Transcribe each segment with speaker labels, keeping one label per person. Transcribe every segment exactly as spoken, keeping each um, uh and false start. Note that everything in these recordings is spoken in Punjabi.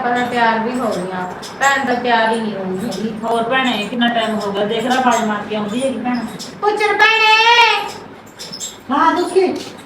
Speaker 1: ਤਾਂ ਤਿਆਰ ਵੀ ਹੋ ਗਈਆਂ। ਭੈਣ ਤਾਂ ਤਿਆਰ ਹੀ ਨਹੀਂ ਹੋਊਗੀ।
Speaker 2: ਹੋਰ ਭੈਣੇ ਕਿੰਨਾ ਟਾਈਮ ਹੋ ਗਿਆ, ਦੇਖ ਲੈ ਬਾਜ ਮਾਰ ਕੇ ਆਉਂਦੀ ਹੈਗੀ ਭੈਣ।
Speaker 1: ਪੁੱਛਰ ਭੈਣੇ
Speaker 3: ਹਾਂ ਦੁਖੀ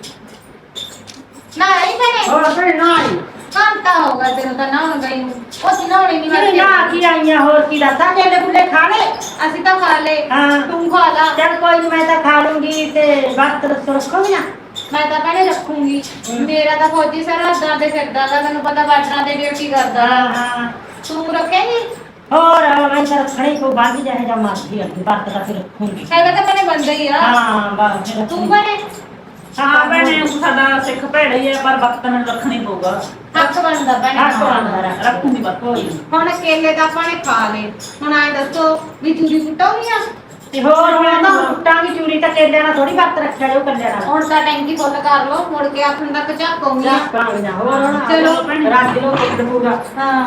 Speaker 1: ਨਾ ਨਹੀਂ ਭੈਣੇ
Speaker 3: ਹੋਰ ਭੈਣੇ ਨਾ ਆਈ
Speaker 1: ਘੰਟਾ ਹੋ ਗਿਆ ਤੈਨੂੰ ਤਾਂ ਨਹਾਉਣ ਗਈ ਨੂੰ। ਉਹ ਸੀ ਨਹਾਉਣੀ ਨਹੀਂ
Speaker 3: ਮੇਰੇ ਨਾ ਕੀ ਆਈਆਂ ਹੋਰ ਕੀ ਦੱਸਾਂ ਕੇਲੇ ਕੁੱਲੇ ਖਾ ਲੈ।
Speaker 1: ਅਸੀਂ ਤਾਂ ਖਾ ਲਏ।
Speaker 3: ਹਾਂ
Speaker 1: ਤੂੰ ਖਾ ਲਾ।
Speaker 3: ਚੱਲ ਕੋਈ ਨੀ ਮੈਂ ਤਾਂ ਖਾ ਲੂੰਗੀ ਤੇ ਵਕਤ ਰੱਖੋ ਰੱਖੋਗੀ ਨਾ।
Speaker 1: ਮੈਂ ਤਾਂ ਭੈਣੇ ਰੱਖੂੰਗੀ। ਮੇਰਾ ਤਾਂ ਫੌਜੀ ਸਰਹੱਦਾਂ ਤੇ ਫਿਰਦਾ ਗਾ, ਤੈਨੂੰ ਪਤਾ ਬਾਰਡਰਾਂ ਤੇ ਡਿਊਟੀ ਕਰਦਾ।
Speaker 3: ਹਾਂ ਹਾਂ
Speaker 1: ਤੂੰ ਰੱਖੇਂਗੀ?
Speaker 3: ਹੋਰ ਮੈਂ ਤਾਂ ਰੱਖਣੀ ਕੋ ਬੰਦ ਜਾਏ ਜਾਂ ਮਰਦੀ ਅੱਗੇ ਵਕਤ ਤਾਂ ਫਿਰ ਰੱਖੂੰਗੀ।
Speaker 1: ਹੈਗਾ ਤਾਂ ਭੈਣੇ ਬੰਦਾ ਹੀ ਆ।
Speaker 3: ਹਾਂ ਬਸ ਫਿਰ
Speaker 1: ਤੂੰ ਭੈਣੇ
Speaker 2: ਹਾਂ ਭੈਣੇ ਸਾਡਾ ਸਿੱਖ ਭੈੜਾ ਹੀ ਹੈ, ਪਰ ਵਕਤ ਮੈਨੂੰ ਰੱਖਣੀ ਪਊਗਾ।
Speaker 1: ਹੱਕ ਬਣਦਾ ਭੈਣੇ।
Speaker 3: ਹੱਕ ਬਣਦਾ।
Speaker 2: ਰੱਖੂੰਗੀ ਬਸ।
Speaker 3: ਕੋਈ ਨੀ।
Speaker 1: ਹੁਣ ਕੇਲੇ ਤਾਂ ਆਪਾਂ ਨੇ ਖਾ ਲਏ। ਹੁਣ ਆਏ ਦੱਸੋ ਵੀ ਚੂਰੀ ਕੁੱਟਾਉਣੀ ਆ?
Speaker 3: ਤੇ ਹੋਰ ਹੁਣ ਤਾਂ ਕੁੱਟਾਂਗੀ ਚੂਰੀ ਤਾਂ ਕੇਲਿਆਂ ਨਾਲ ਥੋੜੀ ਵਕਤ ਰੱਖਿਆ ਜੋ ਕੱਲਿਆਂ ਨਾਲ।
Speaker 1: ਹੁਣ ਤਾਂ ਟੈਂਕੀ ਫੁੱਲ ਕਰ ਲਓ, ਮੁੜ ਕੇ ਆਖਣ ਤੱਕ ਝਾਕੂਗੀ।
Speaker 3: ਝਾਕਾਂਗੇ ਨਾ। ਹੋਰ ਹੁਣ
Speaker 1: ਚਲੋ
Speaker 3: ਰੱਜ ਲੋ ਕੁੱਟ ਪੂਰਾ।
Speaker 1: ਹਾਂ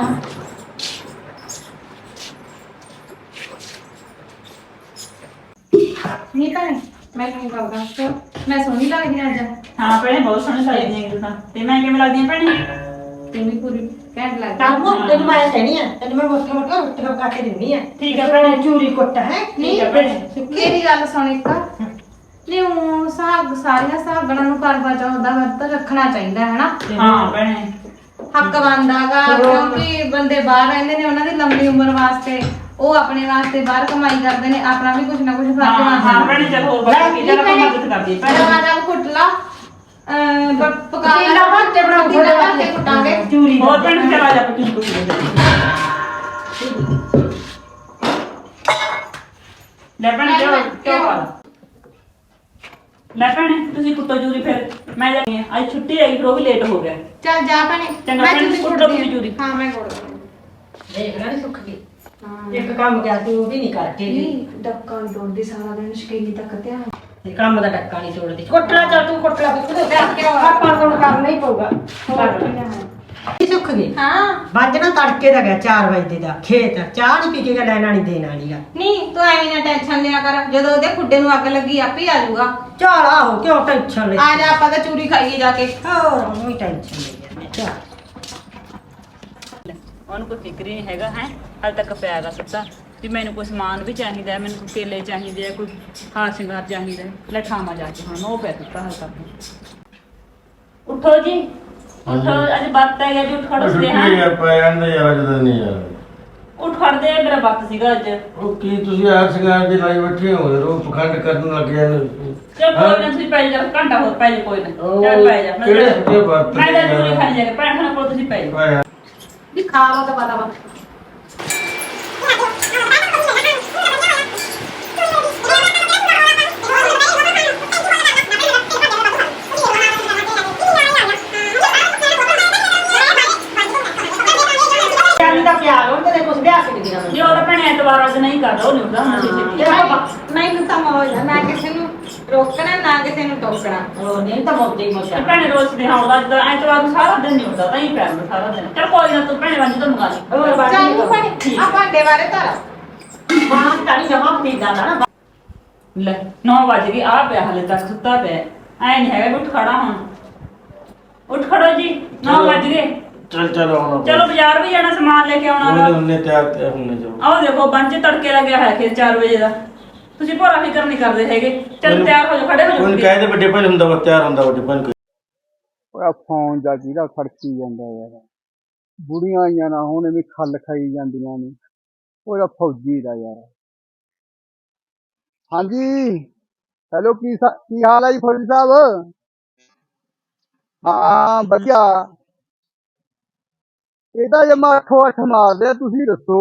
Speaker 1: ਨਹੀਂ ਭੈਣੇ ਮੈਂ ਕੀ ਕਰਦਾ ਸੋ ਮੈਂ ਸੋਹਣੀ ਲੱਗਦੀ ਹਾਂ ਅੱਜ।
Speaker 2: ਹਾਂ ਭੈਣੇ ਬਹੁਤ ਸੋਹਣੀ ਲੱਗਦੀ ਹੈ ਤੂੰ ਤਾਂ। ਤੇ ਮੈਂ ਕਿਵੇਂ ਲੱਗਦੀ ਹਾਂ ਭੈਣੇ?
Speaker 1: ਤੈਨੂੰ ਪੂਰੀ ਘੈਂਟ ਲੱਗਦੀ
Speaker 3: ਕੰਮ ਤੈਨੂੰ ਮੈਂ ਕਹਿਣੀ ਆ ਤੈਨੂੰ ਮੈਂ ਮੋਟਾ ਮੋਟਾ ਰੋਟੀ ਖਾ ਕੇ ਦਿੰਨੀ ਆ।
Speaker 2: ਠੀਕ ਹੈ ਭੈਣੇ।
Speaker 3: ਚੂਰੀ ਕੁੱਟ ਹੈ
Speaker 2: ਠੀਕ ਹੈ ਭੈਣੇ।
Speaker 1: ਮੇਰੀ ਗੱਲ ਸੁਣ ਇੱਕ ਨਹੀਂ ਉਹ ਸਾਗ ਸਾਰੀਆਂ ਸਾਗਣਾ ਨੂੰ ਕਰਵਾ ਚੌਥ ਦਾ ਵਰਤ ਰੱਖਣਾ ਚਾਹੀਦਾ ਹੈ ਨਾ।
Speaker 2: ਹਾਂ ਭੈਣੇ
Speaker 1: ਹੱਕ ਬਣਦਾਗਾ ਕਿਉਂਕਿ ਬੰਦੇ ਬਾਹਰ ਰਹਿੰਦੇ ਨੇ, ਉਹਨਾਂ ਦੀ ਲੰਮੀ ਉਮਰ ਵਾਸਤੇ ਉਹ ਆਪਣੇ ਵਾਸਤੇ ਬਾਹਰ ਕਮਾਈ ਕਰਦੇ ਨੇ, ਆਪਣਾ ਵੀ ਕੁਝ ਨਾ ਕੁਝ ਫਰਜ਼
Speaker 2: ਹਾਂ
Speaker 1: ਬਣਦਾ।
Speaker 2: ਹਾਂ ਭੈਣੇ ਚਲ ਹੋਰ ਬਤਾ ਕੇ ਜਰਾ ਆਪਾਂ ਮਦਦ ਕਰਦੀ ਭੈਣੇ।
Speaker 1: ਦਰਵਾਜ਼ਾ ਕੁੱਟ ਲਾ ਅਹ ਬ- ਪਕਾ ਲਾ
Speaker 3: ਪਤੀਲਾ ਭਰ ਕੇ ਬਣਾਓ,
Speaker 1: ਪਤੀਲਾ ਭਰ ਕੇ ਕੁੱਟਾਂਗੇ।
Speaker 3: ਚੂਰੀ
Speaker 2: ਹੋਰ ਭੈਣੇ ਚਲਾ ਜਾ ਪੱਟੀ ਕੋਈ ਲੈ ਭੈਣੇ ਕਿਉਂ ਕਿਉਂ ਪਾ ਲਾ। ਲੈ ਭੈਣੇ ਤੁਸੀਂ ਕੁੱਟੋ ਜੂਰੀ ਫਿਰ ਮੈਂ ਜਾਣੀ ਆ। ਅੱਜ ਛੁੱਟੀ ਹੈਗੀ ਫਿਰ ਉਹ ਵੀ ਲੇਟ ਹੋ ਗਿਆ।
Speaker 1: ਚੱਲ ਜਾ ਭੈਣੇ
Speaker 2: ਚੰਗਾ
Speaker 1: ਮੈਂ
Speaker 2: ਭੈਣੇ,
Speaker 1: ਚੂਰੀ
Speaker 2: ਕੁੱਟ
Speaker 1: ਕੁੱਟਦੀ
Speaker 2: ਲਓ ਤੁਸੀਂ
Speaker 1: ਹਾਂ।
Speaker 2: ਚੂਰੀ।
Speaker 1: ਹਾਂ ਮੈਂ ਕੁੱਟ ਦਿੰਦੀ
Speaker 3: ਦੇਖ ਲੈ ਨੀ ਸੁੱਕ ਗਈ।
Speaker 1: ਹਾਂ
Speaker 3: ਇੱਕ ਕੰਮ ਗਿਆ ਤੂੰ ਉਹ ਵੀ ਨਹੀਂ ਕਰਕੇ ਗਈ।
Speaker 1: ਨਹੀਂ ਡੱਕਾ ਨੀ ਤੋੜਦੀ ਸਾਰਾ ਦਿਨ ਸ਼ਕੀਨੀ ਤੱਕ ਧਿਆਨ।
Speaker 3: ਤੇ ਕੰਮ ਦਾ ਟੱਕਾ ਨਹੀਂ ਤੋੜਦੀ। ਕੁੱਟਣਾ ਚੱਲ ਤੂੰ ਕੁੱਟ ਲੈ ਬਿੱਕੂ ਦੇ
Speaker 1: ਕਰਕੇ ਆਵਾ।
Speaker 3: ਆਪਾਂ ਨੂੰ ਕਰਨਾ ਹੀ ਪਊਗਾ।
Speaker 1: ਹੋਰ ਕੀ ਹੈ।
Speaker 3: ਇਹ ਸੁੱਕ ਗਈ।
Speaker 1: ਹਾਂ
Speaker 3: ਵੱਜਣਾ ਤੜਕੇ ਦਾ ਗਿਆ ਚਾਰ ਵਜੇ ਦਾ ਖੇਤ ਚਾਹ ਨਹੀਂ ਪੀ ਕੇ ਗਿਆ ਲੈਣਾ ਨਹੀਂ ਦੇਣਾ ਨਹੀਂਗਾ।
Speaker 1: ਨਹੀਂ ਤੂੰ ਐਵੇਂ ਨਾ ਟੈਨਸ਼ਨ ਲਿਆ ਕਰ, ਜਦੋਂ ਉਹਦੇ ਖੁੱਡੇ ਨੂੰ ਅੱਗ ਲੱਗੀ ਆਪੇ ਆ ਜਾਊਗਾ।
Speaker 3: ਚੱਲ ਆਹੋ ਕਿਉਂ ਟੈਨਸ਼ਨ ਲੈ।
Speaker 1: ਆ ਜਾ ਆਪਾਂ ਤਾਂ ਚੂਰੀ ਖਾਈਏ ਜਾ ਕੇ।
Speaker 3: ਹੋਰ ਉਹਨੂੰ ਹੀ ਟੈਨਸ਼ਨ ਲਈ ਜਾਂਦੇ ਚੱਲ।
Speaker 2: ਉਹਨੂੰ ਕੋਈ ਫਿਕਰ ਹੀ ਨਹੀਂ ਹੈਗਾ ਹੈ। ਹਾਲੇ ਤੱਕ ਪਿਆ ਗਾ ਸੁੱਤਾ ਵੀ ਮੈਨੂੰ ਕੋਈ ਸਮਾਨ ਵੀ ਚਾਹੀਦਾ ਹੈ, ਮੈਨੂੰ ਕੋਈ ਕੇਲੇ ਚਾਹੀਦੇ ਆ, ਕੋਈ ਹਾਰ ਸ਼ਿੰਗਾਰ ਚਾਹੀਦਾ ਹੈ। ਲੈ ਖਾਵਾਂ ਜਾ ਕੇ ਹੁਣ ਉਹ ਪਿਆ ਸੁੱਤਾ ਹਾਲੇ ਤੱਕ। ਉੱਠੋ ਜੀ ਉੱਠੋ, ਅੱਜ ਬੱਤ ਹੈ ਜੀ। ਉੱਠ ਖੜੋ ਸਦੇ ਹਾਂ।
Speaker 4: ਯਾਰ ਪੈ ਜਾਂਦੇ ਯਾਰ ਅੱਜ ਤਾਂ ਨਹੀਂ ਯਾਰ।
Speaker 2: ਉੱਠ ਖੜਦੇ ਆ, ਮੇਰਾ ਬੱਤ ਸੀਗਾ ਅੱਜ।
Speaker 4: ਉਹ ਕੀ ਤੁਸੀਂ ਆਰ ਸ਼ਿੰਗਾਰ ਦੀ ਲਾਈ ਬੈਠੇ ਹੋ ਰੋ ਪਖੰਡ ਕਰਨ ਲੱਗ ਜਾਂਦੇ।
Speaker 2: ਚਲ ਕੋਈ ਨਾ ਤੁਸੀਂ ਪੈ ਜਾ, ਘੰਟਾ ਹੋਰ ਪੈ ਜਾ ਕੋਈ ਨਾ।
Speaker 4: ਉਹ
Speaker 2: ਚੱਲ ਪੈ ਜਾ। ਮੈਂ
Speaker 4: ਕਿਹੜੇ
Speaker 2: ਤਾਂ-
Speaker 4: ਸੁੱਕੇ ਵਰਤ
Speaker 2: ਮੈਂ ਤਾਂ
Speaker 4: ਨੇ
Speaker 2: ਜੂਰੀ
Speaker 4: ਯਾਰ।
Speaker 2: ਖਾਣੀ ਜਾ ਕੇ ਭੈਣ ਖਾਣਾ ਕੋਲ ਤੁਸੀਂ ਪੈ ਜਾ।
Speaker 4: ਪੈ ਜਾ।
Speaker 3: ਵੀ ਖਾ ਲਓ ਤਾਂ ਪਤਾ ਵਾ। ਚਾਲੀ ਦਾ ਪਿਆਰ ਹੁਣ ਤੇ ਕੁਛ ਲਿਆ ਕੇ ਨਹੀਂ ਦੇਣਾ
Speaker 2: ਜੇ ਉਹਦਾ ਭੈਣ ਐਤਵਾਰ ਅੱਜ ਨਹੀਂ ਕਰਦਾ ਉਹ ਨਹੀਂ ਹੁੰਦਾ ਹੁਣ ਛੇਤੀ।
Speaker 3: ਮੈਨੂੰ।
Speaker 1: ਮੈਨੂੰ ਤਾਂ ਮੌਜ ਆ, ਨਾ ਕਿਸੇ ਨੂੰ ਰੋਕਣਾ ਨਾ ਕਿਸੇ ਨੂੰ ਟੋਕਣਾ।
Speaker 3: ਉਹ ਨਹੀਂ ਤਾਂ ਮੋਦੀ
Speaker 2: ਤੇ
Speaker 3: ਮੋਚਾ।
Speaker 2: ਭੈਣੇ ਰੋਜ਼ ਦੇ ਆਉਂਦਾ ਜਦੋਂ ਐਤਵਾਰ ਨੂੰ ਸਾਰਾ ਦਿਨ ਨਹੀਂ ਹੁੰਦਾ ਤਾਂ ਹੀ ਪੈਰ ਨੂੰ ਸਾਰਾ ਦਿਨ। ਚਲ ਕੋਈ ਨਾ ਤੂੰ ਭੈਣੇ ਵਾਂਝੀ ਤੋਂ ਮੰਗਾ ਲਈ।
Speaker 3: ਹੋਰ ਬਾਤ
Speaker 1: ਚੱਲ
Speaker 3: ਨਹੀਂ
Speaker 1: ਭੈਣੇ
Speaker 2: ਠੀਕ
Speaker 1: ਆ ਭਾਂਡੇ ਬਾਰੇ ਧਰ।
Speaker 3: ਮਾਂ ਤਾਂ ਜਮਾ ਪੀਂਦਾ ਨਾ।
Speaker 2: ਲੈ ਨੌ ਵਜ ਗਏ ਆ ਪਿਆ ਹਲੇ ਤੱਕ ਸੁੱਤਾ ਪਿਆ। ਐ ਨਹੀਂ ਹੈਗਾ ਵੀ ਉੱਠ ਖੜਾ ਹੁਣ। ਉੱਠ ਖੜੋ ਜੀ ਨੌ ਵਜ ਗਏ।
Speaker 4: ਚੱਲ ਚੱਲ ਆਉਣਾ
Speaker 2: ਚਲੋ ਬਾਜ਼ਾਰ ਵੀ ਜਾਣਾ ਸਮਾਨ ਲੈ ਕੇ ਆਉਣਾ
Speaker 4: ਉਹਨੇ
Speaker 2: ਵਾ।
Speaker 4: ਉਹਨੇ ਤਿਆਰ ਤੇ ਹੁੰਨੇ ਜਾਓ।
Speaker 2: ਆਹ ਦੇਖੋ ਬੰਚ ਤੜਕੇ ਲੱਗਿਆ ਹੋਇਆ ਖੇਤ ਚਾਰ ਵਜੇ ਦਾ। ਤੁਸੀਂ ਭੋਰਾ ਫਿਕਰ ਨਹੀਂ ਕਰਦੇ ਹੈਗੇ। ਚਲ ਤਿਆਰ ਹੋ ਜਾਓ, ਖੜੇ ਹੋ
Speaker 4: ਉਹਨੂੰ
Speaker 2: ਜਾਓ।
Speaker 4: ਕਹਿੰਦੇ ਵੱਡੇ ਭਾਈ ਹੁੰਦਾ ਵਾ ਤਿਆਰ ਹੁੰਦਾ ਵੱਡੇ ਭਾਈ।
Speaker 5: ਓਏ ਫੋਨ ਦਾ ਜਿਹਦਾ ਖੜਕੀ ਜਾਂਦਾ ਯਾਰ। ਬੁੜੀਆਂ ਆਈਆਂ ਨਾ ਹੁਣ ਐਵੇਂ ਖੱਲ ਖਾਈ ਜਾਂਦੀਆਂ ਨੇ। ਉਹਦਾ ਫੌਜੀ ਦਾ ਯਾਰ। ਹਾਂਜੀ ਹੈਲੋ ਕੀ ਸਾ- ਕੀ ਹਾਲ ਹੈ ਜੀ ਫੌਜੀ ਸਾਹਿਬ? ਹਾਂ ਵਧੀਆ। ਇਹ ਤਾਂ ਜਮਾ ਅੱਠੋ ਅੱਠ ਮਾਰਦੇ ਆ, ਤੁਸੀਂ ਦੱਸੋ।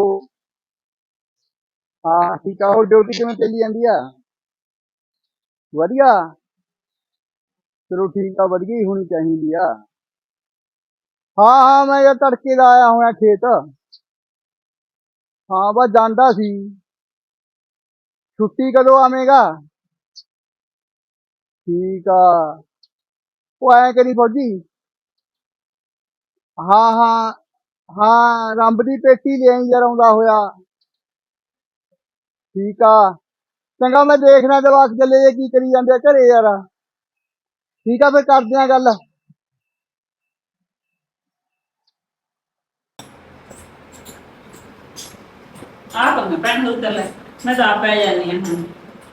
Speaker 5: ਹਾਂ ਠੀਕ ਆ। ਹੋਰ ਡਿਊਟੀ ਕਿਵੇਂ ਚੱਲੀ ਜਾਂਦੀ ਆ? ਵਧੀਆ। ਚਲੋ ਠੀਕ ਆ, ਵਧੀਆ ਹੀ ਹੋਣੀ ਚਾਹੀਦੀ ਆ। ਹਾਂ ਹਾਂ ਮੈਂ ਯਾਰ ਤੜਕੇ ਦਾ ਆਇਆ ਹੋਇਆ ਖੇਤ। ਹਾਂ ਬਸ ਜਾਂਦਾ ਸੀ। ਛੁੱਟੀ ਕਦੋਂ ਆਵੇਂਗਾ? ਠੀਕ ਆ। ਉਹ ਐਂ ਕਰੀ ਫੌਜੀ। ਹਾਂ ਹਾਂ ਹਾਂ ਰੰਬ ਦੀ ਪੇਟੀ ਲਿਆਈ ਯਾਰ ਆਉਂਦਾ ਹੋਇਆ। ਠੀਕ ਆ ਚੰਗਾ, ਮੈਂ ਦੇਖਣਾ ਜਵਾਕ ਚੱਲੇ ਜੇ ਕੀ ਕਰੀ ਜਾਂਦੇ ਆ ਘਰੇ ਯਾਰ। ਠੀਕ ਆ ਫਿਰ ਕਰਦੇ ਆ ਗੱਲ।
Speaker 2: ਆਉਂਗਾ ਭੈਣ ਉੱਧਰ ਲੈ ਮੈਂ ਤਾਂ ਆ ਪੈ ਜਾਂਦੀ ਹਾਂ ਹੁਣ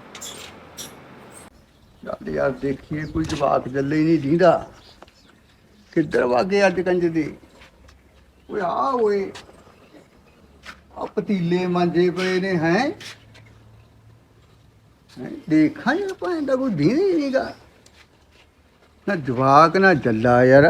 Speaker 5: ਚੱਲ ਯਾਰ ਦੇਖੀਏ ਕੋਈ ਜਵਾਕ ਜੱਲੇ ਹੀ ਨਹੀਂ ਦੀਂਦਾ ਕਿੱਧਰ ਵਾਗੇ ਅੱਜ ਕੰਜ ਦੇ ਓਏ ਆ ਓਏ ਆ ਪਤੀਲੇ ਮਾਂਜੇ ਪਏ ਨੇ ਹੈ ਦੇਖਾਂ ਯਾਰ ਭਾਂ ਦਾ ਕੋਈ ਦੀਨ ਹੀ ਨਹੀਂਗਾ ਨਾ ਜਵਾਕ ਨਾ ਜੱਲਾ ਯਾਰ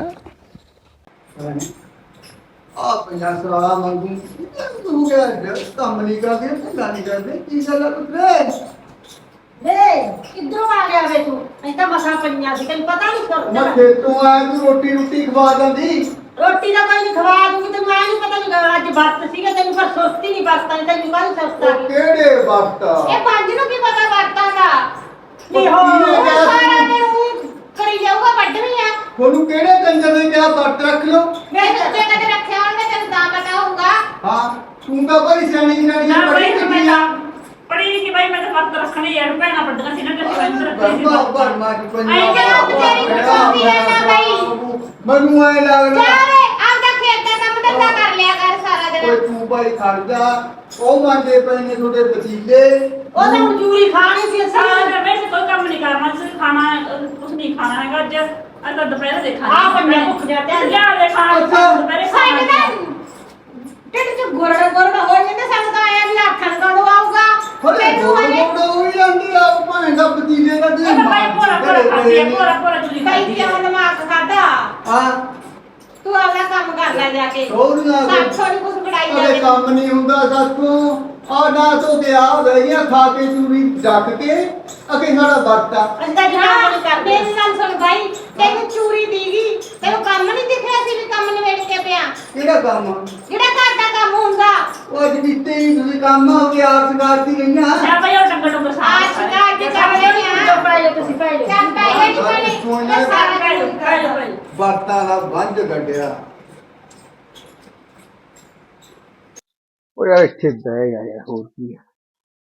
Speaker 5: ਆ ਪੰਜਾਹ ਸਵਾਲਾ ਮੰਗੂ ਤੂੰ ਕਿਹਾ ਕੰਮ ਨਹੀਂ ਕਰਦੇ ਧੰਦਾ ਨਹੀਂ ਕਰਦੇ ਕੀ ਗੱਲ ਆ ਪੁੱਤਰੇ
Speaker 3: ਵੇ ਕਿੱਧਰੋਂ ਆ ਗਿਆ ਵੇ ਤੂੰ ਅਸੀਂ ਤਾਂ ਮਸਾਂ ਪਈਆਂ ਸੀ ਤੈਨੂੰ ਪਤਾ ਨਹੀਂ
Speaker 5: ਮੈਂ
Speaker 3: ਕਰਦਾ
Speaker 5: ਖੇਤੋਂ ਆਇਆ ਤੂੰ ਰੋਟੀ ਰੋਟੀ ਖਵਾ ਜਾਂਦੀ
Speaker 3: ਰੋਟੀ ਦਾ ਕੋਈ ਨਹੀਂ ਖਵਾ ਦੂੰਗੀ ਤੇ ਮੈਂ ਨਹੀਂ ਪਤਾ ਨਹੀਂ ਅੱਜ ਵਰਤ ਸੀਗਾ ਤੈਨੂੰ ਪਰ ਸੁਸਤੀ ਨਹੀਂ ਵਰਤਾਂ ਨਹੀਂ ਤੈਨੂੰ ਕਾਹਦੀ ਸੁਸਤਾ
Speaker 5: ਉਹ ਕਿਹੜੇ ਵਕਤ
Speaker 3: ਇਹ ਪੰਜ ਨੂੰ ਕੀ ਪਤਾ ਵਰਤਾਂ ਦਾ
Speaker 5: ਉਹ ਕਿਹਨੇ ਕਿਹਾ
Speaker 3: ਸਾਰਾ
Speaker 5: ਤੈਨੂੰ?
Speaker 3: ਦਿਨ ਊਂ ਕਰੀ ਜਾਊਗਾ ਵੱਢਣੀ ਆ
Speaker 5: ਤੁਹਾਨੂੰ ਕਿਹੜੇ ਕੰਜਰ ਨੇ ਕਿਹਾ ਵਰਤ ਰੱਖ ਲਓ
Speaker 3: ਮੈਂ ਤੇ ਕਦੇ ਰੱਖਿਆ ਹੋਣਗੇ ਤੈਨੂੰ ਤਾਂ ਪਤਾ ਹੋਊਗਾ
Speaker 5: ਹਾਂ ਤੂੰ ਤਾਂ ਬੜੀ ਸਿਆਣੀ ਜਨਾਨੀ
Speaker 2: ਨਾ
Speaker 5: ਬੜੀ
Speaker 2: ਬਈ ਮੈਂ
Speaker 5: ਕਿੱਡੀ
Speaker 2: ਤਾਂ
Speaker 5: ਆ
Speaker 2: ਪੜੀ ਕਿ ਬਈ ਮੈਂ ਤਾਂ ਵਰਤ ਰੱਖਣੇ ਯਾਰ ਭੈਣਾਂ ਵੱਡੀਆਂ ਸੀ ਨਾ ਕਿ ਅਸੀਂ ਵਰਤ ਰੱਖਣੇ ਸੀ
Speaker 5: ਬਰਮਾ ਬਰਮਾ ਦੀ
Speaker 3: ਆਈ ਕਿਹੜਾ ਤੇਰੀ ਕੁੱਤੀ ਹੈ ਨਾ ਬਈ
Speaker 5: ਮੈਨੂੰ ਐ ਲੱਗਦਾ
Speaker 3: ਜਾ ਵੇ ਆਪਦਾ ਖੇਤ ਦਾ ਕੰਮ ਧੰਦਾ ਕਰ ਲਿਆ ਕਰ ਸਾਰਾ
Speaker 5: ਓਏ
Speaker 3: ਦਿਨ
Speaker 5: ਤੂੰ ਭਾਈ ਖੜ ਜਾ ਉਹ ਮੰਗੇ ਪਏ ਨੇ ਤੁਹਾਡੇ ਵਸੀਲੇ
Speaker 3: ਉਹ ਤਾਂ ਹੁਣ ਚੂਰੀ ਖਾਣੀ ਸੀ ਅਸੀਂ
Speaker 2: ਸਾਰਾ ਵੈਸੇ ਕੋਈ ਕੰਮ ਨਹੀਂ ਕਰਨਾ ਤੁਸੀਂ ਖਾਣਾ ਕੁਝ ਨਹੀਂ ਖਾਣਾ ਹੈਗਾ ਅੱਜ ਅੱਜ ਤਾਂ ਦੁਪਹਿਰ ਦੇ ਖਾਣਾ
Speaker 3: ਆਹ ਬੰਦਾ ਭੁੱਖ ਜਾ ਤੇ
Speaker 2: ਲਿਆ ਦੇ ਖਾਣਾ
Speaker 5: ਅੱਛਾ।
Speaker 2: ਦੁਪਹਿਰੇ
Speaker 3: ਸਾਡੇ
Speaker 2: ਖਾਣਾ
Speaker 3: ਤਾਂ ਢਿੱਡ ਚ ਗੁਰੜ ਗੁਰੜ ਹੋ ਜਾਂਦੇ ਸਾਨੂੰ ਤਾਂ ਆਇਆ ਵੀ ਆਖਣ ਕਦੋਂ ਆਊਗਾ
Speaker 5: ਹਲੇ
Speaker 3: ਤੈਨੂੰ
Speaker 5: ਗੋਲ
Speaker 3: ਹਲੇ
Speaker 5: ਗੋਲ ਹੋਈ ਜਾਂਦੀ ਆ ਉਹ ਭਾਂ ਦਾ ਵਸੀਲੇ ਦਾ
Speaker 2: ਉਹ ਤਾਂ ਭਾਈ ਭੋਰਾ ਭੋਰਾ ਖਾਂਦੀ ਹੈ ਭੋਰਾ ਭੋਰਾ ਤੁਸੀਂ
Speaker 3: ਕਈ
Speaker 2: ਖਾਂਦੀ ਹੈ
Speaker 3: ਕਿਉਂ ਦਿਮਾਗ ਖਾਦਾ
Speaker 5: ਹਾਂ
Speaker 3: ਤੂੰ ਆਪਦਾ ਕੰਮ ਕਰ ਲੈ ਜਾ ਕੇ
Speaker 5: ਹੋਰ ਨਾ
Speaker 3: ਸਾਥੋਂ ਨੀ ਕੁਛ ਬੜਾਈ
Speaker 5: ਅਰੇ
Speaker 3: ਜਾਂਦੇ
Speaker 5: ਕੰਮ ਨਹੀਂ ਹੁੰਦਾ ਸਾਥੋਂ ਆ ਨਾ ਤੋਂ ਤੇ ਆ ਗਈਆਂ ਖਾ ਕੇ ਚੂਰੀ ਡੱਕ ਕੇ ਅਕੇ ਸਾਡਾ ਵਰਤਾ
Speaker 3: ਅਸੀਂ ਤਾਂ ਜਨਾਬ ਨਹੀਂ ਕਰਦੇ ਮੇਰੀ ਗੱਲ ਸੁਣ ਭਾਈ ਤੈਨੂੰ ਚੂਰੀ ਦੀਗੀ ਤੈਨੂੰ ਕੰਮ ਨਹੀਂ ਦਿਖਿਆ ਸੀ ਵੀ ਕੰਮ ਨਿਬੇੜ ਕੇ ਪਿਆ
Speaker 5: ਕਿਹੜਾ ਕੰਮ
Speaker 3: ਜਿਹੜਾ ਘਰ ਦਾ ਕੰਮ ਹੁੰਦਾ
Speaker 5: ਉਹ ਅੱਜ ਕਿਤੇ ਹੀ ਤੁਸੀਂ ਕੰਮ ਹੋ ਕੇ ਆਪ ਸੰਗਾਰਤੀ ਗਈਆਂ
Speaker 2: ਜਾ ਭਾਈ ਉਹ ਡੰਗਰ ਡੰਗਰ
Speaker 3: ਆ
Speaker 2: ਸਾਫ
Speaker 3: ਸ਼ਿਕਾਰ ਦੇ ਕੰਮ ਲੈਣੇ ਆ
Speaker 2: ਪਾਈ ਤੁਸੀਂ ਪਾਈ
Speaker 3: ਚੱਲ ਪੈ ਗਈ ਬਣੇ ਸਾਰਾ ਕੰਮ ਕਰਦਾ
Speaker 5: ਵਰਤਾਂ ਦਾ ਵੰਝ ਗੱਡਿਆ ਉਹ ਯਾਰ ਇੱਥੇ ਬਹਿ ਗਿਆ ਯਾਰ ਹੋਰ ਕੀ ਆ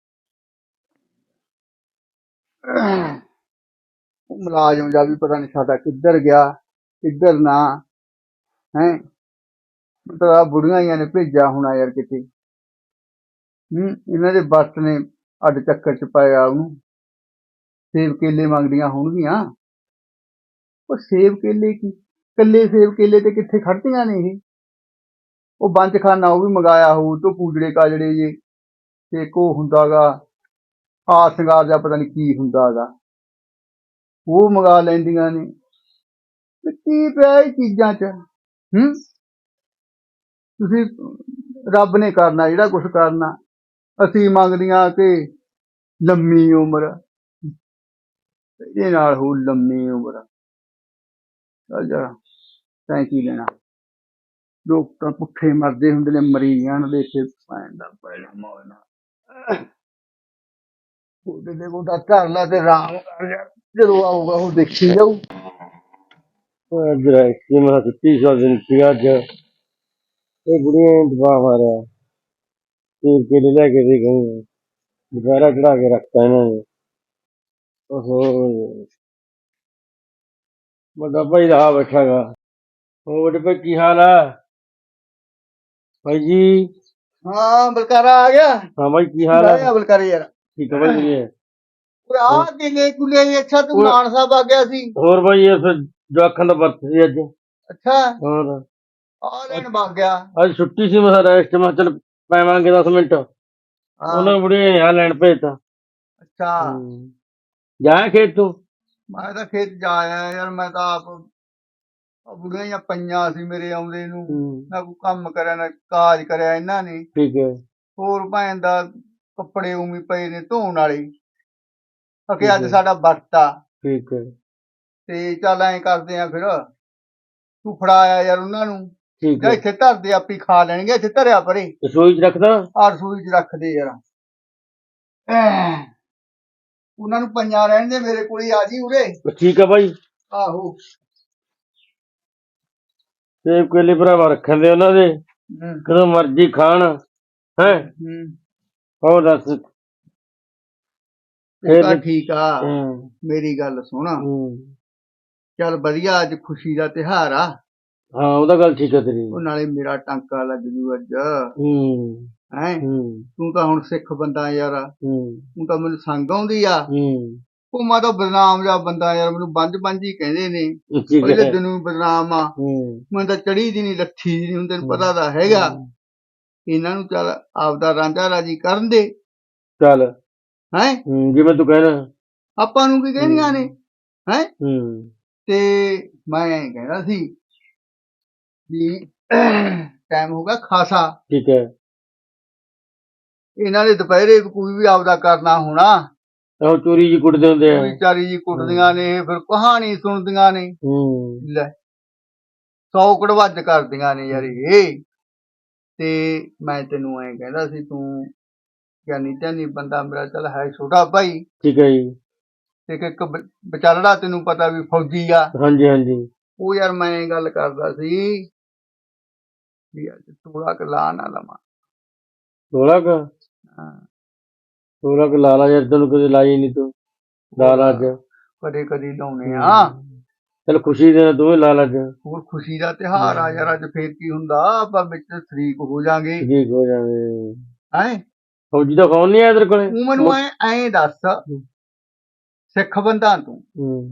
Speaker 5: ਉਹ ਮੁਲਾਜ਼ਮ ਜਾ ਵੀ ਪਤਾ ਨਹੀਂ ਸਾਡਾ ਕਿੱਧਰ ਗਿਆ ਕਿੱਧਰ ਨਾ ਹੈ ਮਤਲਬ ਆ ਬੁੜੀਆਂ ਹੀ ਨੇ ਭੇਜਿਆ ਹੋਣਾ ਯਾਰ ਕਿਤੇ ਹੂੰ ਇਹਨਾਂ ਦੇ ਬੱਸ ਨੇ ਅੱਡ ਚੱਕਰ ਚ ਪਾਇਆ ਉਹਨੂੰ ਸੇਬ ਕੇਲੇ ਮੰਗਦੀਆਂ ਹੋਣਗੀਆਂ ਉਹ ਸੇਬ ਕੇਲੇ ਕੀ ਕੱਲੇ ਸੇਬ ਕੇਲੇ ਤੇ ਕਿੱਥੇ ਖੜਦੀਆਂ ਨੇ ਇਹ ਉਹ ਬੰਚ ਖਾਨਾ ਉਹ ਵੀ ਮੰਗਾਇਆ ਹੋਊ ਤੋਂ ਪੂਜੜੇ ਕਾਜੜੇ ਜੇ ਤੇ ਕੋ ਹੁੰਦਾਗਾ ਆ ਸ਼ਿੰਗਾਰ ਜਾਂ ਪਤਾ ਨਹੀਂ ਕੀ ਹੁੰਦਾਗਾ ਉਹ ਮੰਗਾ ਲੈਂਦੀਆਂ ਨੇ ਤੇ ਕੀ ਪਿਆ ਇਹ ਚੀਜ਼ਾਂ 'ਚ ਹੂੰ ਤੁਸੀਂ ਰੱਬ ਨੇ ਕਰਨਾ ਜਿਹੜਾ ਕੁਛ ਕਰਨਾ ਅਸੀਂ ਮੰਗਦੀਆਂ ਕਿ ਲੰਮੀ ਉਮਰ ਇਹਦੇ ਨਾਲ ਹੋ ਲੰਮੀ ਉਮਰ ਚੱਲ ਜਰਾ ਤੈਂ ਕੀ ਲੈਣਾ ਲੋਕ ਤਾਂ ਭੁੱਖੇ ਮਰਦੇ ਹੁੰਦੇ ਨੇ ਮਰੀ ਜਾਣ ਦੇ ਕੇ ਭੈਣ ਦਾ ਪਹਿਲਾਂ ਮੌਜਣਾ ਉਹਦੇ ਦੇ ਕੋਲ ਤਾਂ ਘਰ ਲਾ ਤੇ ਆਰਾਮ ਕਰ ਜਾ ਜਦੋਂ ਆਊਗਾ ਉਹ ਦੇਖੀ ਜਾਊ
Speaker 4: ਅਜਰਾ ਕਿ ਮੈਂ ਛੁੱਟੀ ਸੌ ਦਿਨ ਸੀ ਅੱਜ ਇਹ ਬੁੜੀਆਂ ਨੇ ਦਬਾ ਮਾਰਿਆ ਤੇ ਕੇਲੇ ਲੈ ਕੇ ਦੇ ਗਏ ਦੁਪਹਿਰਾ ਚੜਾ ਕੇ ਰੱਖਤਾ ਇਹਨਾਂ ਨੇ ਓਹੋ ਵੱਡਾ ਭਾਈ ਰਹਾ ਬੈਠਾ ਗਾ ਉਹ ਵੱਡੇ ਭਾਈ ਕੀ ਹਾਲ ਆ ਭਾਈ ਜੀ
Speaker 5: ਹਾਂ ਬਲਕਾਰਾ ਆ ਗਿਆ
Speaker 4: ਹਾਂ ਭਾਈ ਕੀ ਹਾਲ
Speaker 5: ਆਇਆ
Speaker 4: ਆ
Speaker 5: ਬਲਕਾਰੇ ਯਾਰ
Speaker 4: ਠੀਕ ਆ ਭਾਈ ਜੀ
Speaker 5: ਓਏ ਆ ਕਿਲੇ ਕੁਲੇ ਅੱਛਾ ਤੂੰ ਮਾਨ ਸਾਹਿਬ ਆ ਗਿਆ ਸੀ
Speaker 4: ਹੋਰ ਭਾਈ ਇਹ ਫਿਰ ਜਵਾਕਾਂ ਦਾ ਵਰਤ ਸੀ ਅੱਜ
Speaker 5: ਅੱਛਾ
Speaker 4: ਹੋਰ
Speaker 5: ਆ ਲੈਣ ਵਗ ਗਿਆ
Speaker 4: ਅੱਜ ਛੁੱਟੀ ਸੀ ਮੈਂ ਰੈਸਟ ਮੈਂ ਚੱਲ ਪੈਵਾਂਗੇ ਦਸ ਮਿੰਟ ਉਹਨਾਂ ਬੁੜੇ ਆ ਲੈਣ ਭੇਜਤਾ
Speaker 5: ਅੱਛਾ
Speaker 4: ਜਾ ਖੇਤ ਤੂੰ
Speaker 5: ਮੈਂ ਤਾਂ ਖੇਤ ਜਾ ਆਇਆ ਯਾਰ ਮੈਂ ਤਾਂ ਆਪ ਆਹ ਬੁੜੀਆਂ ਜਿਹੀਆਂ ਪਈਆਂ ਸੀ ਮੇਰੇ ਆਉਂਦੇ ਨੂੰ ਨਾ ਕੋਈ ਕੰਮ ਕਰਿਆ ਨਾ ਕਾਜ ਕਰਿਆ ਇਹਨਾਂ ਨੇ
Speaker 4: ਠੀਕ ਹੈ
Speaker 5: ਹੋਰ ਭੈਣ ਦਾ ਕੱਪੜੇ ਉਵੇਂ ਪਏ ਨੇ ਧੋਣ ਵਾਲੇ ਅਕੇ ਅੱਜ ਸਾਡਾ ਵਰਤਾ
Speaker 4: ਠੀਕ ਹੈ
Speaker 5: ਤੇ ਚੱਲ ਐਂ ਕਰਦੇ ਆ ਫਿਰ ਤੂੰ ਫੜਾਇਆ ਯਾਰ ਉਹਨਾਂ ਨੂੰ
Speaker 4: ਠੀਕ
Speaker 5: ਜਾਂ
Speaker 4: ਹੈ
Speaker 5: ਇੱਥੇ ਧਰਦੇ ਆਪੀ ਖਾ ਲੈਣਗੇ ਇੱਥੇ ਧਰਿਆ ਪਰੇ
Speaker 4: ਰਸੋਈ ਚ ਰੱਖਦਾ
Speaker 5: ਆ ਰਸੋਈ ਚ ਰੱਖ ਦੇ ਯਾਰ ਐਂ। ਉਹਨਾਂ ਨੂੰ ਪੰਜਾਂ ਰਹਿਣ ਦੇ ਮੇਰੇ ਕੋਲ ਹੀ ਆ ਜੀ ਉਰੇ
Speaker 4: ਠੀਕ ਆ ਭਾਈ
Speaker 5: ਆਹੋ
Speaker 4: ਸੇਬ ਕੇਲੇ ਭਰਾਵਾ ਰੱਖਣ ਦੇ ਉਹਨਾਂ ਦੇ
Speaker 5: ਹੂੰ
Speaker 4: ਕਦੋਂ ਮਰਜ਼ੀ ਖਾਣ ਹੈ
Speaker 5: ਹੂੰ
Speaker 4: ਹੋਰ ਦੱਸ
Speaker 5: ਉਹ ਤਾਂ ਠੀਕ ਆ
Speaker 4: ਹੂੰ
Speaker 5: ਮੇਰੀ ਗੱਲ ਸੁਣ
Speaker 4: ਹੂੰ
Speaker 5: ਚੱਲ ਵਧੀਆ ਅੱਜ ਖੁਸ਼ੀ ਦਾ ਤਿਉਹਾਰ ਆ
Speaker 4: ਹਾਂ ਉਹਦਾ ਗੱਲ ਠੀਕ ਹੈ ਤੇਰੀ
Speaker 5: ਉਹ ਨਾਲੇ ਮੇਰਾ ਟਾਂਕਾ ਲੱਗ ਜੂ ਅੱਜ
Speaker 4: ਹੂੰ
Speaker 5: ਹੈ
Speaker 4: ਹੂੰ
Speaker 5: ਤੂੰ ਤਾਂ ਹੁਣ ਸਿੱਖ ਬੰਦਾ ਯਾਰ,
Speaker 4: ਹੂੰ
Speaker 5: ਤੂੰ ਤਾਂ ਮੈਨੂੰ ਸੰਗ ਆਉਂਦੀ ਆ।
Speaker 4: ਹੂੰ
Speaker 5: ਉਹ ਮੈਂ ਤਾਂ ਬਦਨਾਮ ਜਿਹਾ ਬੰਦਾ ਯਾਰ, ਮੈਨੂੰ ਬੰਜ ਬੰਜ ਹੀ ਕਹਿੰਦੇ ਨੇ,
Speaker 4: ਠੀਕ
Speaker 5: ਪਹਿਲੇ
Speaker 4: ਹੈ।
Speaker 5: ਦਿਨੋਂ ਹੀ ਬਦਨਾਮ ਆ।
Speaker 4: ਹੂੰ
Speaker 5: ਮੈਨੂੰ ਤਾਂ ਚੜੀ ਦੀ ਨਹੀਂ ਲੱਥੀ ਦੀ, ਹੁਣ ਤੈਨੂੰ
Speaker 4: ਹੂੰ।
Speaker 5: ਪਤਾ ਤਾਂ ਹੈਗਾ। ਇਹਨਾਂ ਨੂੰ ਚੱਲ ਆਪਦਾ ਰਾਂਝਾ ਰਾਜੀ ਕਰਨ ਦੇ,
Speaker 4: ਚੱਲ
Speaker 5: ਹੈ
Speaker 4: ਹੂੰ ਜਿਵੇਂ ਤੂੰ ਕਹਿਣਾ।
Speaker 5: ਆਪਾਂ ਨੂੰ ਕੀ ਕਹਿਣੀਆਂ ਨੇ, ਹੈ
Speaker 4: ਹੂੰ
Speaker 5: ਤੇ ਮੈਂ ਐਂ ਕਹਿੰਦਾ ਸੀ ਵੀ ਟਾਈਮ ਹੋ ਗਿਆ ਖਾਸਾ,
Speaker 4: ਠੀਕ ਹੈ।
Speaker 5: ਇਹਨਾਂ ਦੇ ਦੁਪਹਿਰੇ ਕੋਈ ਵੀ ਆਪਦਾ ਕਰਨਾ ਹੋਣਾ,
Speaker 4: ਉਹ ਚੋਰੀ ਜੀ ਕੁੱਟਦੇ ਹੁੰਦੇ ਆ।
Speaker 5: ਕੋਈ ਚਾਰੀ ਜੀ ਕੁੱਟਦੀਆਂ ਨੇ, ਫਿਰ ਕਹਾਣੀ ਸੁਣਦੀਆਂ ਨੇ,
Speaker 4: ਹੂੰ
Speaker 5: ਲੈ ਸੌ ਕੜਵੱਜ ਕਰਦੀਆਂ ਨੇ ਯਾਰ ਇਹ। ਤੇ ਮੈਂ ਤੈਨੂੰ ਐਂ ਕਹਿੰਦਾ ਸੀ, ਤੂੰ ਗਿਆਨੀ ਧਿਆਨੀ ਬੰਦਾ ਮੇਰਾ, ਚੱਲ ਹੈ ਛੋਟਾ ਭਾਈ,
Speaker 4: ਠੀਕ ਹੈ ਜੀ।
Speaker 5: ਤੇ ਇੱਕ ਬ- ਵਿਚਾਲੜਾ ਤੈਨੂੰ ਪਤਾ ਵੀ ਫੌਜੀ ਆ,
Speaker 4: ਹਾਂਜੀ ਹਾਂਜੀ।
Speaker 5: ਉਹ ਯਾਰ ਮੈਂ ਇਹ ਗੱਲ ਕਰਦਾ ਸੀ ਵੀ ਅੱਜ ਤੋੜਾ ਕੁ ਲਾ ਨਾ ਲਵਾਂ।
Speaker 4: ਸੋਲਾਂ ਕ
Speaker 5: ਹਾਂ,
Speaker 4: ਸੋਲਾਂ ਕ ਲਾ ਲਾ ਯਾਰ, ਤੈਨੂੰ ਕਦੇ ਲਾਈ ਨਹੀਂ ਤੂੰ, ਲਾ ਲਾ ਅੱਜ।
Speaker 5: ਕਦੇ ਕਦੇ ਲਾਉਣੇ ਆ,
Speaker 4: ਚੱਲ ਖੁਸ਼ੀ ਦੇ ਨਾਲ ਤੂੰ ਵੀ ਲਾ ਲਾ ਅੱਜ।
Speaker 5: ਹੋਰ ਖੁਸ਼ੀ ਦਾ ਤਿਉਹਾਰ ਆ ਯਾਰ, ਅੱਜ ਫੇਰ ਕੀ ਹੁੰਦਾ, ਆਪਾਂ ਵਿੱਚ ਸ਼ਰੀਕ ਹੋ ਜਾਾਂਗੇ,
Speaker 4: ਠੀਕ ਹੋ ਜਾਵੇ।
Speaker 5: ਹੈਂ
Speaker 4: ਫੌਜੀ ਦਾ ਫੋਨ ਨਹੀਂ ਆਇਆ ਤੇਰੇ ਕੋਲੇ?
Speaker 5: ਤੂੰ ਮੈਨੂੰ ਐ ਐਂ ਦੱਸ, ਸਿੱਖ ਬੰਦਾ ਤੂੰ,
Speaker 4: ਹੂੰ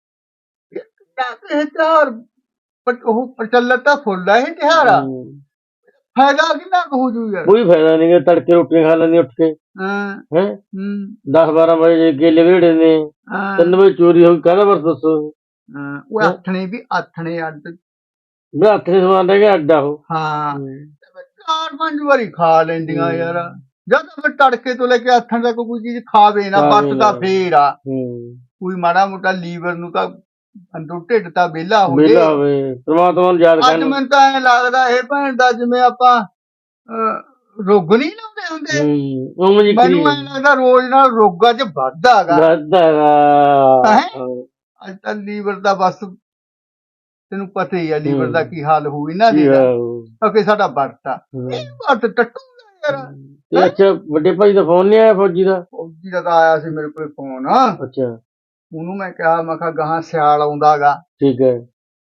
Speaker 5: ਇਹ ਤਿਉਹਾਰ ਪ- ਉਹ ਪ੍ਰਚਲਿਤ ਤਾਂ ਫੁੱਲ ਆ, ਇਹ ਤਿਉਹਾਰ ਆ,
Speaker 4: ਹੂੰ।
Speaker 5: ਫਾਇਦਾ ਕਿੰਨਾ ਕੁ ਹੋ ਜੂ ਯਾਰ।
Speaker 4: ਕੋਈ ਫਾਇਦਾ ਨਹੀਂ ਗਾ, ਤੜਕੇ ਰੋਟੀਆਂ ਖਾ ਲੈਂਦੀ ਉੱਠ ਕੇ,
Speaker 5: ਹਾਂ
Speaker 4: ਹੈ
Speaker 5: ਹੂੰ
Speaker 4: ਦਸ ਬਾਰਾਂ ਵਜੇ ਕੇਲੇ ਵੇੜੇ ਨੇ,
Speaker 5: ਹਾਂ
Speaker 4: ਤਿੰਨ ਵਜੇ ਚੋਰੀ ਹੋ ਗਈ, ਕਾਹਦਾ ਵਰਤ ਦੱਸੋ।
Speaker 5: ਹਾਂ, ਉਹ ਆਥਣੇ ਵੀ ਆਥਣੇ ਅੱਡ,
Speaker 4: ਮੈਂ ਹੱਥ ਦੇ ਸਮਾਨ ਰਹਿ ਗਿਆ ਅੱਡਾ ਉਹ।
Speaker 5: ਹਾਂ ਚਾਰ ਪੰਜ ਵਾਰੀ ਖਾ ਲੈਂਦੀਆਂ ਯਾਰ, ਜਦ ਫਿਰ ਤੜਕੇ ਤੋਂ ਲੈ ਕੇ ਆਥਣ ਤੱਕ ਕੋਈ ਚੀਜ਼ ਖਾਵੇ ਨਾ,
Speaker 4: ਖਾਵੇ
Speaker 5: ਬੱਤ ਤਾਂ
Speaker 4: ਨਾ।
Speaker 5: ਫੇਰ ਆ,
Speaker 4: ਹੂੰ
Speaker 5: ਕੋਈ ਮਾੜਾ ਮੋਟਾ ਲੀਵਰ ਨੂੰ ਤਾਂ ਅੰਦਰੋਂ ਢਿੱਡ ਤਾਂ ਵਿਹਲਾ ਹੋ ਜੇ।
Speaker 4: ਵਿਹਲਾ ਹੋਵੇ, ਪ੍ਰਮਾਤਮਾ ਨੂੰ ਯਾਦ
Speaker 5: ਅੱਜ
Speaker 4: ਕਰਨ।
Speaker 5: ਮੈਨੂੰ ਤਾਂ ਐ ਲੱਗਦਾ ਇਹ ਭੈਣ ਦਾ ਜਿਵੇਂ ਆਪਾਂ ਅਹ, ਰੁੱਗ ਨਹੀਂ ਲਾਉਂਦੇ ਹੁੰਦੇ,
Speaker 4: ਹੂੰ ਉਵੇਂ ਜੀ
Speaker 5: ਮੈਨੂੰ ਐ ਲੱਗਦਾ ਰੋਜ਼ ਨਾਲ ਰੋਗਾਂ 'ਚ ਵਾਧਾ ਹੈਗਾ।
Speaker 4: ਵੱਧਦਾ
Speaker 5: ਹੈਂ? ਅੱਜ ਤਾਂ ਲੀਵਰ ਦਾ ਬਸ ਤੈਨੂੰ ਪਤਾ ਹੀ ਆ ਲੀਵਰ ਦਾ ਕੀ ਹਾਲ ਹੋਊ ਇਹਨਾਂ ਦੇ ਦਾ, ਕਿਉਂਕਿ ਸਾਡਾ ਵਰਤ ਆ, ਇਹ ਵਰਤ ਟੱਟੂਗਾ ਯਾਰ।
Speaker 4: ਤੇ ਅੱਛਾ ਵੱਡੇ ਭਾਈ ਦਾ ਫੋਨ ਨਹੀਂ ਆਇਆ ਫੌਜੀ ਦਾ?
Speaker 5: ਫੌਜੀ ਦਾ ਤਾਂ ਆਇਆ ਸੀ ਮੇਰੇ ਕੋਲ ਫੋਨ,
Speaker 4: ਅੱਛਾ
Speaker 5: ਉਹਨੂੰ ਮੈਂ ਕਿਹਾ, ਮੈਂ ਕਿਹਾ ਗਾਹਾਂ ਸਿਆਲ ਆਉਂਦਾ ਗਾ,
Speaker 4: ਠੀਕ ਹੈ।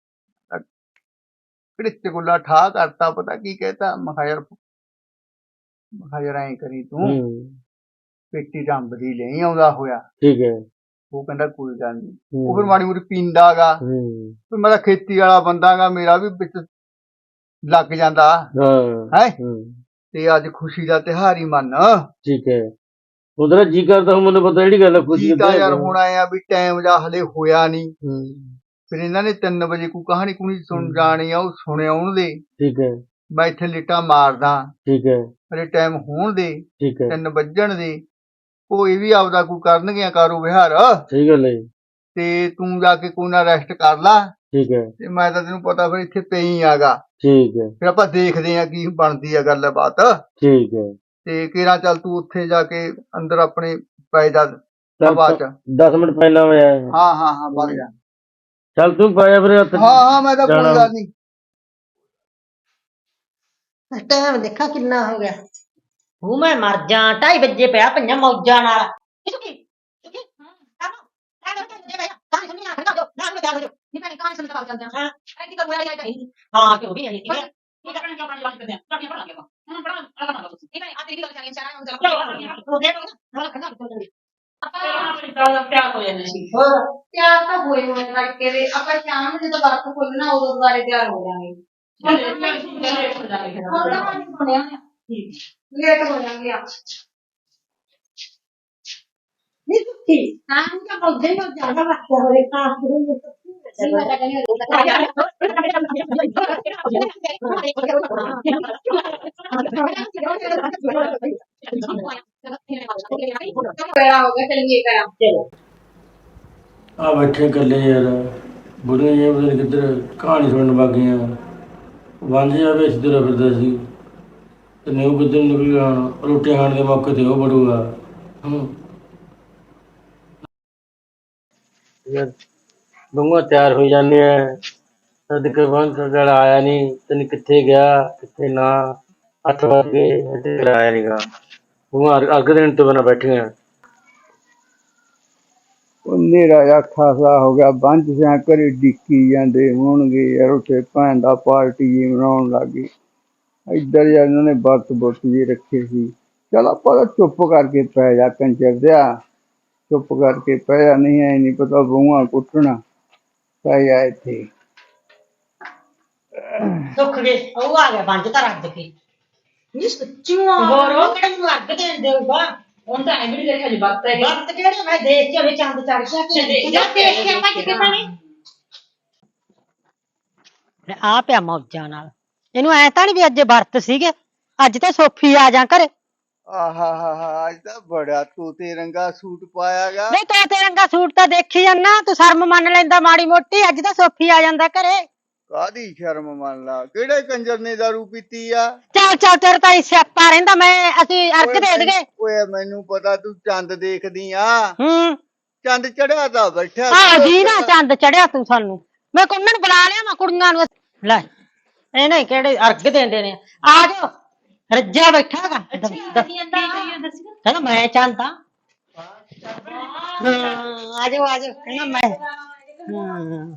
Speaker 5: ਕਿਹੜੇ ਗੁੱਲਾ ਠਾ ਕਰਤਾ, ਪਤਾ ਕੀ ਕਹਿਤਾ, ਮੈਂ ਕਿਹਾ ਯਾਰ ਮੈਂ ਕਿਹਾ ਯਾਰ ਐਂ ਕਰੀ ਤੂੰ
Speaker 4: ਹੂੰ
Speaker 5: ਪੇਟੀ ਰੰਬ ਦੀ ਲਈ ਆਉਂਦਾ ਹੋਇਆ।
Speaker 4: ਠੀਕ ਹੈ।
Speaker 5: ਉਹ ਕਹਿੰਦਾ ਕੋਈ ਗੱਲ ਨਹੀਂ,
Speaker 4: ਹੂੰ
Speaker 5: ਉਹ ਫਿਰ ਮਾੜੀ ਮੋਟੀ ਪੀਂਦਾ ਗਾ,
Speaker 4: ਹੂੰ
Speaker 5: ਫਿਰ ਮੈਂ ਤਾਂ ਖੇਤੀ ਵਾਲਾ ਬੰਦਾ ਗਾ, ਮੇਰਾ ਵੀ ਵਿੱਚ ਲੱਗ ਜਾਂਦਾ
Speaker 4: ਹਾਂ
Speaker 5: ਹੈ।
Speaker 4: ਹੂੰ
Speaker 5: ਤੇ ਅੱਜ ਖੁਸ਼ੀ ਦਾ ਤਿਉਹਾਰ ਹੀ ਮੰਨ,
Speaker 4: ਠੀਕ ਹੈ। ਉਹਦਾ ਜੀ ਕਰਦਾ ਹੁਣ, ਮੈਨੂੰ ਪਤਾ ਜਿਹੜੀ ਗੱਲ ਆ, ਖੁਸ਼ੀ
Speaker 5: ਜੀ ਤਾਂ ਯਾਰ ਹੁਣ ਆਏ ਆ ਵੀ ਟਾਈਮ ਜਾ ਹਲੇ ਹੋਇਆ ਨਹੀਂ,
Speaker 4: ਹੂੰ
Speaker 5: ਫਿਰ ਇਹਨਾਂ ਨੇ ਤਿੰਨ ਵਜੇ ਕੋਈ ਕਹਾਣੀ ਕੁਣੀ ਸੁਣ ਜਾਣੀ ਆ, ਉਹ ਸੁਣੇ ਆਉਣ ਦੇ,
Speaker 4: ਠੀਕ ਹੈ
Speaker 5: ਮੈਂ ਇੱਥੇ ਲਿਟਾ ਮਾਰਦਾ,
Speaker 4: ਠੀਕ ਹੈ
Speaker 5: ਹਲੇ ਟਾਈਮ ਹੋਣ ਦੇ,
Speaker 4: ਠੀਕ ਹੈ।
Speaker 5: ਤਿੰਨ ਵੱਜਣ ਦੇ, ਕੋਈ ਵੀ ਆਪਦਾ ਕੋਈ ਕਰਨਗੇ ਕਾਰੋ ਵਿਹਾਰ,
Speaker 4: ਸਹੀ ਗੱਲ ਹੈ ਜੀ।
Speaker 5: ਤੇ ਤੂੰ ਜਾ ਕੇ ਕੋਈ ਨਾ ਰੈਸਟ ਕਰ ਲਾ,
Speaker 4: ਠੀਕ ਹੈ
Speaker 5: ਤੇ ਮੈਂ ਤਾਂ ਤੈਨੂੰ ਪਤਾ ਫਿਰ ਇੱਥੇ ਪਈ ਆਗਾ,
Speaker 4: ਠੀਕ ਹੈ
Speaker 5: ਫਿਰ ਆਪਾਂ ਦੇਖਦੇ ਆ ਕੀ ਬਣਦੀ ਆ ਗੱਲਬਾਤ।
Speaker 4: ਠੀਕ ਹੈ।
Speaker 5: ਤੇ ਕਿਹੜਾ ਚੱਲ ਤੂੰ ਉੱਥੇ ਜਾ ਕੇ ਅੰਦਰ ਆਪਣੇ ਪੈ ਜਾ ਹਵਾ ਚ।
Speaker 4: ਦਸ ਮਿੰਟ ਪਹਿਲਾਂ ਮੈਂ ਆਇਆ।
Speaker 5: ਹਾਂ ਹਾਂ ਹਾਂ ਵਗ ਜਾ।
Speaker 4: ਚੱਲ ਤੂੰ ਪਾਇਆ ਫਿਰ ਹੱਥ।
Speaker 5: ਹਾਂ ਹਾਂ ਮੈਂ ਤਾਂ ਕੋਈ ਗੱਲ ਨਹੀਂ।
Speaker 3: ਟਾਈਮ ਦੇਖਾ ਕਿੰਨਾ ਹੋ ਗਿਆ, ਉਹ ਮੈਂ ਮਰ ਜਾ, ਢਾਈ ਵਜੇ ਪਿਆ ਪਈਆਂ ਮੌਜਾਂ ਨਾਲ। ਹਾਂ ਕਿਉਂ ਵੀ ਨਹੀਂ
Speaker 1: ਤਿਆਰ ਤਾਂ ਹੋਏ ਹੋਏ ਤੜਕੇ ਦੇ, ਆਪਾਂ ਸ਼ਾਮ ਨੂੰ ਜਦੋਂ ਵਰਤ ਖੋਲਣਾ ਉਦੋਂ ਦੁਬਾਰੇ ਤਿਆਰ ਹੋ ਜਾਵਾਂਗੇ। ਲੇਟ ਹੋ ਜਾਵਾਂਗੇ ਆ।
Speaker 3: ਨਹੀਂ ਸੁੱਤੀ ਹਾਂ ਤਾਂ ਬੋਲਦੇ ਹੋ ਜਾਣਾ ਬੱਚਾ ਹੋਰੇ ਕਾਸ ਨੂੰ
Speaker 1: ਨਹੀਂ ਮੈਂ ਤਾਂ ਕਹਿੰਦੀ ਕਰਾ ਹੋ ਗਿਆ, ਚਲਿਏ ਕਰਾ ਚਲੋ।
Speaker 4: ਆ ਬੈਠੇ ਇਕੱਲੇ ਯਾਰ, ਬੁੜੀਆਂ ਜਿਹੀਆਂ ਪਤਾ ਨੀ ਕਿੱਧਰ ਕਹਾਣੀ ਸੁਣਨ ਵਗ ਗਈਆਂ। ਵੰਝ ਜਾ ਵੇਚ ਤੁਰਿਆ ਫਿਰਦਾ ਸੀ, ਤੇ ਨਿਊ ਕਿੱਧਰ ਨਿਕਲ ਗਿਆ, ਹੁਣ ਰੋਟੀ ਖਾਣ ਦੇ ਮੌਕੇ ਤੇ ਉਹ ਬੜੂਗਾ। ਹੂੰ ਯਾਰ ਬੰਗਾ ਤਿਆਰ ਹੋਈ ਜਾਂਦੇ ਆ, ਤਦ ਕੇ ਬੰਦ ਜਿਹੜਾ ਆਇਆ ਨਹੀਂ, ਤੈਨੂੰ ਕਿੱਥੇ ਗਿਆ ਕਿੱਥੇ ਨਾ। ਅੱਠ ਵੱਜ ਗਏ ਅਜੇ ਆਇਆ ਨੀਗਾ, ਬੰਗਾ ਅੱਗ ਦੇਣ ਤੋਂ ਬਿਨਾਂ ਬੈਠੀਆਂ।
Speaker 5: ਹਨੇਰਾ ਜਿਹਾ ਖਾਸਾ ਹੋ ਗਿਆ, ਬੰਝ ਸਿਆਂ ਘਰੇ ਡਿੱਕੀ ਜਾਂਦੇ ਹੋਣਗੇ ਯਾਰ, ਉੱਥੇ ਭੈਣ ਦਾ ਪਾਰਟੀ ਜੀ ਮਨਾਉਣ ਲੱਗ ਗਈ। ਇੱਧਰ ਯਾਰ ਇਹਨਾਂ ਨੇ ਵਰਤ ਬੁਰਤ ਜੀ ਰੱਖੇ ਸੀ। ਚਲ ਆਪਾਂ ਤਾਂ ਚੁੱਪ ਕਰਕੇ ਪੈ ਜਾ ਕੰਜਰ ਦਿਆ, ਚੁੱਪ ਕਰਕੇ ਪੈ ਜਾ, ਨਹੀਂ ਐ ਨਹੀਂ ਪਤਾ ਬਹੂਆਂ ਕੁੱਟਣਾ। ਪੈ ਜਾ ਇੱਥੇ।
Speaker 3: ਸੁੱਖ ਦੇ ਉਹ ਆ ਗਿਆ ਬੰਜ ਤਾਂ ਰੱਜ ਕੇ ਨੀ ਸੱਚੀਆਂ ਹੋਰ ਉਹ ਕਿਹੜਾ ਮੈਨੂੰ ਅੱਗ ਦੇਣ ਦੇਊਗਾ।
Speaker 2: ਹੁਣ ਤਾਂ ਐਵੇਂ ਨਹੀਂ ਦੇਖਿਆ ਜੀ ਵਕਤ ਹੈ
Speaker 3: ਵਕਤ ਕਿਹੜੇ ਮੈਂ ਦੇਖ ਕੇ ਵੀ ਚੰਦ ਚੜ ਗਿਆ ਕਿ ਜਾ ਦੇਖ ਕੇ ਭੱਜ ਕੇ ਪਾਣੀ ਆ ਪਿਆ ਮੌਜਾਂ ਨਾਲ। ਇਹਨੂੰ ਐ ਤਾਂ ਨੀ ਵੀ ਅੱਜ ਵਰਤ ਸੀਗੇ, ਅੱਜ ਤਾਂ ਸੋਫੀ ਆ ਜਾ ਘਰੇ।
Speaker 5: ਆਹਾ ਹਾ ਹਾ ਅੱਜ ਤਾਂ ਬੜਾ ਤੋਤੇ ਰੰਗਾ ਸੂਟ ਪਾਇਆਗਾ।
Speaker 3: ਨਹੀਂ ਤੋਤੇ ਰੰਗਾ ਸੂਟ ਤਾਂ ਦੇਖੀ ਜਾਂਦਾ, ਤੂੰ ਸ਼ਰਮ ਮੰਨ ਲੈਂਦਾ ਮਾੜੀ ਮੋਟੀ। ਅੱਜ ਤਾਂ ਸੋਫੀ ਆ ਜਾਂਦਾ ਘਰੇ।
Speaker 5: ਕਾਹਦੀ ਸ਼ਰਮ ਮੰਨ ਲਾ, ਕਿਹੜੇ ਕੰਜਰ ਨੇ ਦਾਰੂ ਪੀਤੀ ਆ?
Speaker 3: ਚੱਲ ਚੱਲ ਤੇਰੇ ਤਾਂ ਹੀ ਸਿਆਪਾ ਰਹਿੰਦਾ। ਮੈਂ ਅਸੀਂ ਅਰਕ ਦੇ ਦਗੇ।
Speaker 5: ਓਏ ਮੈਨੂੰ ਪਤਾ ਤੂੰ ਚੰਦ ਦੇਖਦੀ ਆ।
Speaker 3: ਹੂੰ
Speaker 5: ਚੰਦ ਚੜਿਆ ਤਾਂ ਬੈਠਾ
Speaker 3: ਆ ਜੀ ਨਾ ਚੰਦ ਚੜਿਆ ਤੂੰ ਸਾਨੂੰ। ਮੈਂ ਕੁੰਨਾਂ ਨੂੰ ਬੁਲਾ ਲਿਆ ਮੈਂ ਕੁੜੀਆਂ ਨੂੰ। ਲੈ ਇਹਨੇ ਕਿਹੜੇ ਅਰਗ ਦੇਂਦੇ ਨੇ। ਆ ਜਾਓ ਰੱਜਿਆ ਬੈਠਾ ਗਾ। ਕਹਿੰਦਾ ਮੈਂ ਚੰਦ ਆ। ਆ ਜਾਓ ਆ ਜਾਓ ਕਹਿੰਦਾ ਮੈਂ। ਹੂੰ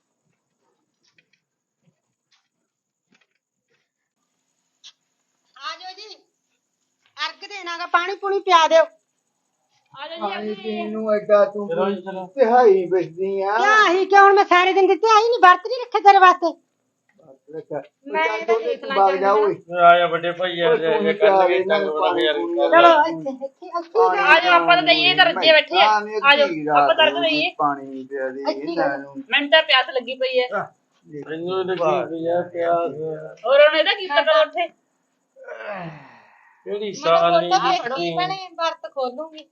Speaker 3: ਆ ਜਾਓ ਜੀ ਅਰਗ ਦੇਣਾਗਾ, ਪਾਣੀ ਪੂਣੀ ਪਿਆ ਦਿਓ।
Speaker 5: ਪਾਣੀ ਪੀਣ ਨੂੰ ਐਡਾ ਤੂੰ ਤਿਹਾਈ ਬੈਠਦੀ ਆ।
Speaker 3: ਕਿਆ ਹੀ ਕਿਉਂ ਹੁਣ ਮੈਂ ਸਾਰੇ ਦਿਨ ਦਿੱਤੇ ਆਈ ਨਹੀਂ ਵਰਤ ਨਹੀਂ ਰੱਖੇ ਤੇਰੇ ਵਾਸਤੇ।
Speaker 5: ਮੈਂ ਤਾਂ ਦੇਖ ਲਾ ਬਾਗ ਜਾ ਓਏ।
Speaker 4: ਆਇਆ ਵੱਡੇ ਭਾਈ ਯਾਰ ਜੇ ਕਰ ਲਗੇ ਟੰਗ ਬਣਾ ਯਾਰ।
Speaker 3: ਚਲੋ ਇੱਥੇ ਇੱਥੇ ਇੱਥੇ
Speaker 2: ਆ ਜਾਓ ਆਪਾਂ ਤਾਂ ਦਈਏ ਤਾਂ ਰੱਜੇ ਬੈਠੇ ਆ। ਆ ਜਾਓ ਆਪਾਂ ਤੜਕ ਦਈਏ।
Speaker 5: ਪਾਣੀ ਪਿਆ ਦੇ ਇਹਨਾਂ ਨੂੰ।
Speaker 2: ਮੈਨੂੰ ਤਾਂ ਪਿਆਸ ਲੱਗੀ ਪਈ ਹੈ।
Speaker 4: ਮੈਨੂੰ ਲੱਗੀ ਯਾਰ ਪਿਆਸ।
Speaker 2: ਹੋਰ ਉਹਨੇ ਇਹਦਾ ਕੀਤਾ ਕਰ ਉੱਥੇ
Speaker 4: ਕਿਹੜੀ ਸਾਲ ਨਹੀਂ
Speaker 1: ਵਰਤ ਖੋਲੂਗੀ।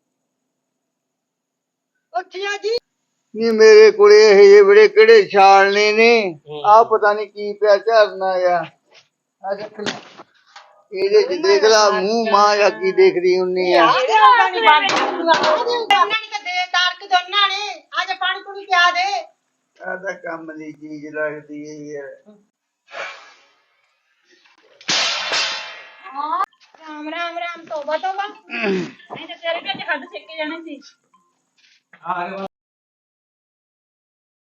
Speaker 3: ਉੱਠਿਆ ਜੀ
Speaker 5: ਨੀ ਮੇਰੇ ਕੋਲੇ ਇਹ ਜਿਹੇ ਬੜੇ ਕਿਹੜੇ ਛਾਲਨੇ ਨੇ। ਆ ਪਤਾ ਨਹੀਂ ਕੀ ਪਿਆ ਝਰਨਾ ਆ। ਆ ਦੇਖ ਲੈ ਇਹਦੇ ਚ ਦੇਖ ਲਾ ਮੂੰਹ ਮਾਂ ਜਾਂ ਕੀ ਦੇਖਦੀ ਹੁੰਨੀ ਆ।
Speaker 3: ਉਹਨਾਂ ਨੇ ਤਾਂ ਦੇ ਤਾਰਕ ਦੋਨਾਂ ਨੇ। ਆ ਜਾ ਪਾਣੀ ਪੂਣੀ ਪਿਆ ਦੇ।
Speaker 5: ਆ ਤਾਂ ਕੰਮ ਦੀ ਚੀਜ਼ ਲੱਗਦੀ ਹੈ ਯਾਰ।
Speaker 3: ਰਾਮ ਰਾਮ ਰਾਮ ਤੋਬਾ ਤੋਬਾ।
Speaker 2: ਨਹੀਂ ਤੇ ਤੇਰੇ ਵੀ ਅੱਜ ਹੱਦ ਸੇਕੇ ਜਾਣੇ ਸੀ।